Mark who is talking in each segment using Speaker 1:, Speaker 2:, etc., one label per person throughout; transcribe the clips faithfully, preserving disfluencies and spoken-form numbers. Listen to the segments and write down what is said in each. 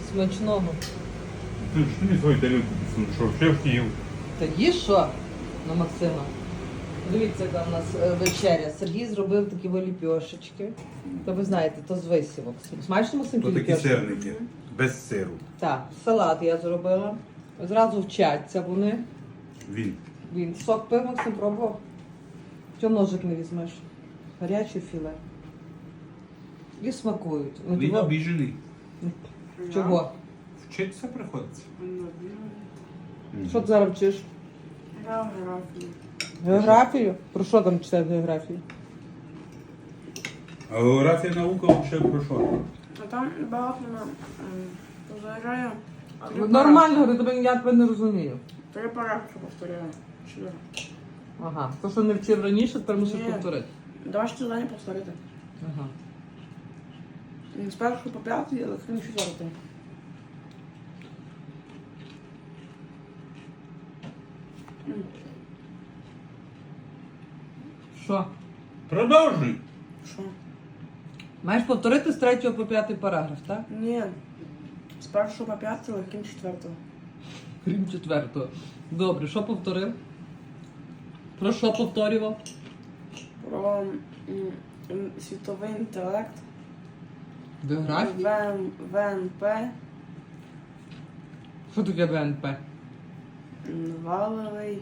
Speaker 1: Смачного.
Speaker 2: Ти ж тобі свою тарілку підсунув, що ще втів.
Speaker 1: Та їж що на Максима? Дивіться, яка в нас е, вечеря. Сергій зробив такі ліпьошечки. То ви знаєте, то з висівок. Смачно, Максим,
Speaker 2: То
Speaker 1: ті
Speaker 2: такі
Speaker 1: ліпьошки?
Speaker 2: сирники, без сиру.
Speaker 1: Так, салат я зробила. Зразу вчаться вони.
Speaker 2: Він.
Speaker 1: Він сок пив, Максим пробував. Чому ножик не візьмеш? Гаряче філе. І смакують. Ну,
Speaker 2: Він
Speaker 1: того-
Speaker 2: обіжений.
Speaker 1: Чого?
Speaker 2: Вчитися приходиться.
Speaker 1: Що ти зараз вчиш?
Speaker 3: Географію.
Speaker 1: Географію? Про що там читають географію?
Speaker 2: А географія наука взагалі про що?
Speaker 3: А там багато на позаграю.
Speaker 1: Ну, нормально, говорю, тебе я тебе не розумію.
Speaker 3: Три параграфи повторяю. Чотири.
Speaker 1: Ага. То, що не вчив раніше, тепер мусиш
Speaker 3: Ні.
Speaker 1: повторити.
Speaker 3: Давай ще завдання повторити.
Speaker 1: Ага.
Speaker 3: З першого по п'ятий, але крім четвертий.
Speaker 1: Що?
Speaker 2: Продовжуй.
Speaker 3: Що?
Speaker 1: Маєш повторити з третього по п'ятий параграф, так?
Speaker 3: Ні. З першого по п'ятий, але крім четвертого.
Speaker 1: Крім четвертого. Добре, що повторив? Про що повторював?
Speaker 3: Про м, м, світовий інтелект.
Speaker 1: Географію?
Speaker 3: ВН, ВНП.
Speaker 1: Що таке ВНП?
Speaker 3: м, Валовий.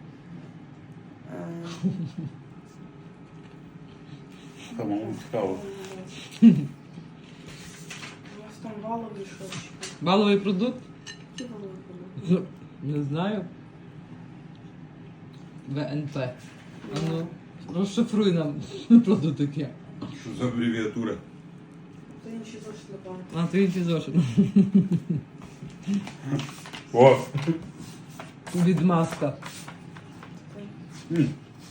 Speaker 3: е,
Speaker 2: Самому цікаво.
Speaker 3: У нас там валовий щось.
Speaker 1: Валовий продукт?
Speaker 3: Які валовий продукт?
Speaker 1: Ну, не знаю. ВНП. А ну, розшифруй нам, що це таке.
Speaker 2: Що за абревіатура?
Speaker 3: Це інші зошит не пам'ятаю.
Speaker 1: А, ти інші зошит.
Speaker 2: О!
Speaker 1: Відмазка.
Speaker 2: М.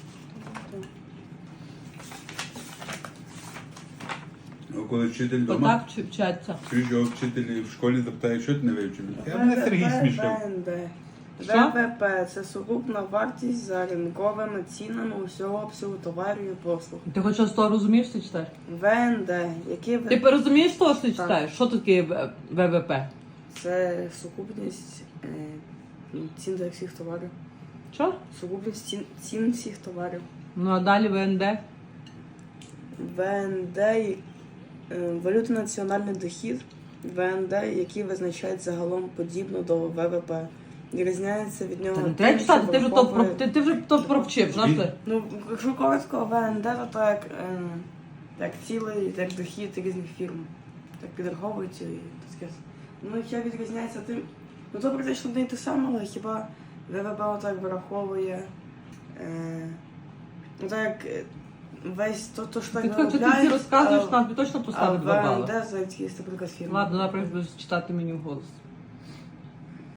Speaker 2: А коли вчитель вдома,
Speaker 1: Отак вчи- вчаться.
Speaker 2: чуєш, його вчителі в школі запитають, що ти не вивчив? Я мене Сергій смішив.
Speaker 3: ВНД.
Speaker 1: Що?
Speaker 3: ВВП – це сукупна вартість за ринковими цінами усього обсягу товарів і послуг.
Speaker 1: Ти хоч щось з того розумієш, що ти читаєш?
Speaker 3: ВНД, які
Speaker 1: Ти
Speaker 3: ви...
Speaker 1: розумієш того, що ти
Speaker 3: Так.
Speaker 1: читаєш? Що таке В- ВВП?
Speaker 3: це сукупність е, цін за всіх товарів.
Speaker 1: Що?
Speaker 3: Сукупність цін, цін всіх товарів.
Speaker 1: Ну а далі ВНД?
Speaker 3: ВНД е, – валютний національний дохід. ВНД, який визначають загалом подібно до ВВП. Відрізняється від нього.
Speaker 1: Та не
Speaker 3: тим,
Speaker 1: треба
Speaker 3: що
Speaker 1: читати, ти вже то про
Speaker 3: враховує-
Speaker 1: ти, ти вже то провчив, знаєш ти?
Speaker 3: Ну, якщо коротко, ВНД, то так, е, як цілий, як дохід різних фірм. Так підраховується і таке. Ну, ще відрізняється тим. Ну, то практично не те саме, але хіба ВВП отак вираховує. Е, ну, так як е, весь то, то що
Speaker 1: Ти
Speaker 3: так
Speaker 1: хоч ти всі
Speaker 3: виробляють,
Speaker 1: розказуєш,
Speaker 3: а-
Speaker 1: нам тобі точно
Speaker 3: а
Speaker 1: поставити два бали.
Speaker 3: ВНД за якісь, наприклад, фірми.
Speaker 1: Ладно, наприклад, будеш читати мені вголос.